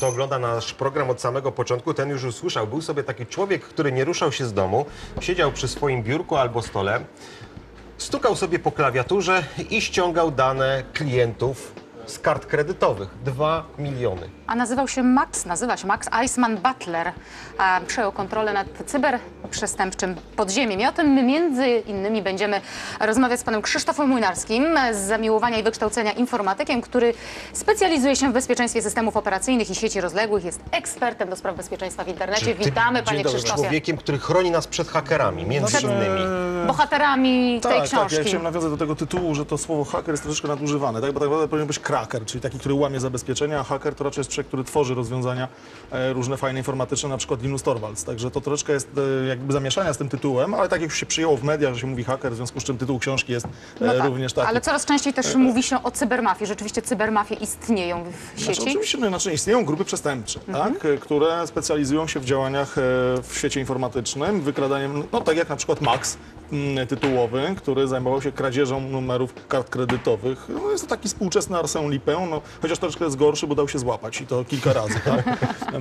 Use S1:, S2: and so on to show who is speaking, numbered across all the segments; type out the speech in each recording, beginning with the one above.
S1: kto ogląda nasz program od samego początku, ten już usłyszał. Był sobie taki człowiek, który nie ruszał się z domu, siedział przy swoim biurku albo stole, stukał sobie po klawiaturze i ściągał dane klientów z kart kredytowych. 2 miliony.
S2: A nazywa się Max Eisman Butler. Przejął kontrolę nad cyberprzestępczym podziemiem. I o tym my między innymi będziemy rozmawiać z panem Krzysztofem Młynarski, z zamiłowania i wykształcenia informatykiem, który specjalizuje się w bezpieczeństwie systemów operacyjnych i sieci rozległych. Jest ekspertem do spraw bezpieczeństwa w internecie. Witamy, panie Krzysztofie.
S1: Człowiekiem, który chroni nas przed hakerami, między innymi.
S2: Bohaterami tej książki.
S3: Tak, ja chciałem nawiązać do tego tytułu, że to słowo haker jest troszeczkę nadużywane, tak? Bo tak naprawdę powinien być kraker, czyli taki, który łamie zabezpieczenia, a haker to raczej jest człowiek, który tworzy rozwiązania różne fajne, informatyczne, na przykład Linus Torvalds. Także to troszeczkę jest jakby zamieszania z tym tytułem, ale tak jak już się przyjęło w mediach, że się mówi haker, w związku z czym tytuł książki jest również taki.
S2: Ale coraz częściej też mówi się o cybermafii. Rzeczywiście cybermafie istnieją w sieci?
S3: Znaczy, oczywiście istnieją grupy przestępcze, tak? Które specjalizują się w działaniach w świecie informatycznym, wykradaniem, no tak jak na przykład Max tytułowy, który zajmował się kradzieżą numerów kart kredytowych. No, jest to taki współczesny Arsène Lupin, no, chociaż troszkę jest gorszy, bo dał się złapać i to kilka razy, tak?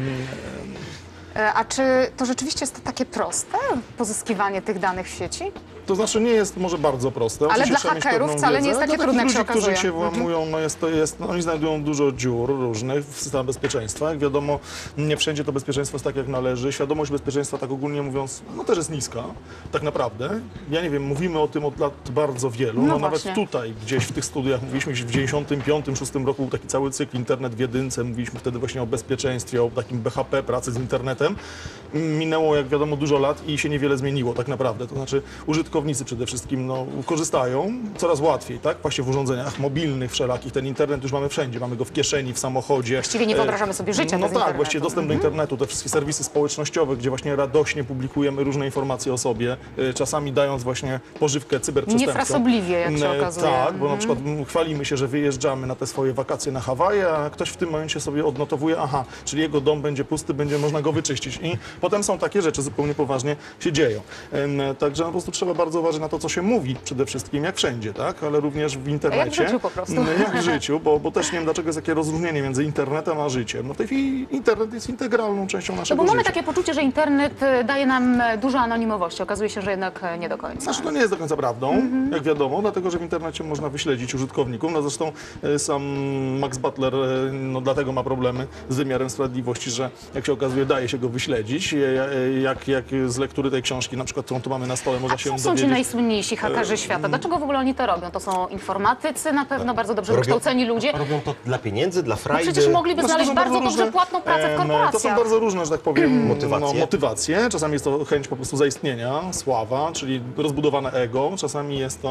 S2: A czy to rzeczywiście jest takie proste, pozyskiwanie tych danych w sieci?
S3: To znaczy nie jest może bardzo proste.
S2: Ale
S3: Oczywiście
S2: dla hakerów wcale nie jest takie trudne, jak się okazuje.
S3: Którzy się włamują, oni znajdują dużo dziur różnych w systemie bezpieczeństwa. Jak wiadomo, nie wszędzie to bezpieczeństwo jest tak, jak należy. Świadomość bezpieczeństwa, tak ogólnie mówiąc, no też jest niska, tak naprawdę. Ja nie wiem, mówimy o tym od lat bardzo wielu. No nawet tutaj, gdzieś w tych studiach mówiliśmy, że w 95-6 roku był taki cały cykl Internet w jedynce. Mówiliśmy wtedy właśnie o bezpieczeństwie, o takim BHP, pracy z internetem. Minęło, jak wiadomo, dużo lat i się niewiele zmieniło tak naprawdę. To znaczy użytkownicy przede wszystkim korzystają coraz łatwiej, tak? Właśnie w urządzeniach mobilnych wszelakich. Ten internet już mamy wszędzie. Mamy go w kieszeni, w samochodzie.
S2: Właściwie nie wyobrażamy sobie życia bez
S3: tak,
S2: internetu.
S3: właściwie dostęp do internetu, te wszystkie serwisy społecznościowe, gdzie właśnie radośnie publikujemy różne informacje o sobie, czasami dając właśnie pożywkę cyberprzestępcom.
S2: Niefrasobliwie, jak się okazuje.
S3: Tak, bo na przykład chwalimy się, że wyjeżdżamy na te swoje wakacje na Hawaje, a ktoś w tym momencie sobie odnotowuje, aha, czyli jego dom będzie pusty, będzie można go wyczyścić. I potem są takie rzeczy zupełnie poważnie się dzieją. Także po prostu trzeba bardzo uważać na to, co się mówi przede wszystkim, jak wszędzie, tak? Ale również w internecie.
S2: Jak w życiu po prostu.
S3: Jak w życiu, bo też nie wiem, dlaczego jest takie rozróżnienie między internetem a życiem. No w tej chwili internet jest integralną częścią naszego
S2: bo mamy
S3: życia.
S2: takie poczucie, że internet daje nam dużo anonimowości. Okazuje się, że jednak nie do końca.
S3: Znaczy, to nie jest do końca prawdą, jak wiadomo, dlatego, że w internecie można wyśledzić użytkowników. No zresztą sam Max Butler dlatego ma problemy z wymiarem sprawiedliwości, że jak się okazuje, daje się go wyśledzić. Jak z lektury tej książki, na przykład, którą tu mamy na stole, można się
S2: są
S3: dowiedzieć.
S2: ci najsłynniejsi hakerzy świata? Dlaczego w ogóle oni to robią? To są informatycy, na pewno bardzo dobrze wykształceni ludzie.
S1: Robią to dla pieniędzy, dla frajdy.
S2: Przecież mogliby znaleźć bardzo dobrze płatną pracę w korporacjach.
S3: To są bardzo różne, że tak powiem,
S1: motywacje.
S3: Czasami jest to chęć po prostu zaistnienia, sława, czyli rozbudowane ego. Czasami jest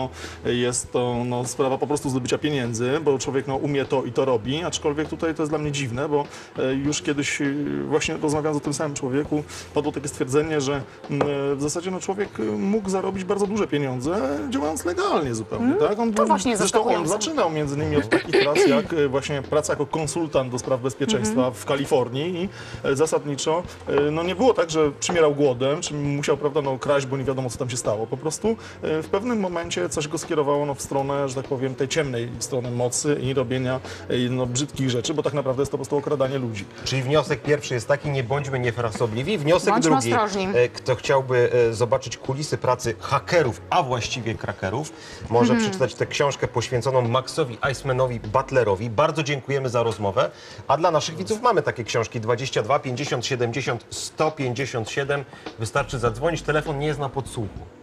S3: to sprawa po prostu zdobycia pieniędzy, bo człowiek umie to i to robi. Aczkolwiek tutaj to jest dla mnie dziwne, bo już kiedyś właśnie rozmawiając o tym samym człowieku, padło takie stwierdzenie, że w zasadzie człowiek mógł zarobić bardzo duże pieniądze, działając legalnie zupełnie. Tak? Zresztą on zaczynał między innymi od takich prac, jak właśnie praca jako konsultant do spraw bezpieczeństwa w Kalifornii i zasadniczo nie było tak, że przymierał głodem, czy musiał, prawda, kraść, bo nie wiadomo, co tam się stało. Po prostu w pewnym momencie coś go skierowało w stronę, że tak powiem, tej ciemnej strony mocy i robienia brzydkich rzeczy, bo tak naprawdę jest to po prostu okradanie ludzi.
S1: Czyli wniosek pierwszy jest taki, nie bądźmy niefrasobliwi. Wniosek
S2: Bądźmy
S1: drugi,
S2: ostrożni.
S1: kto chciałby zobaczyć kulisy pracy hakerów, a właściwie krakerów, może przeczytać tę książkę poświęconą Maxowi Eismanowi Butlerowi. Bardzo dziękujemy za rozmowę. A dla naszych widzów mamy takie książki 22 50 70 157. Wystarczy zadzwonić, telefon nie jest na podsłuchu.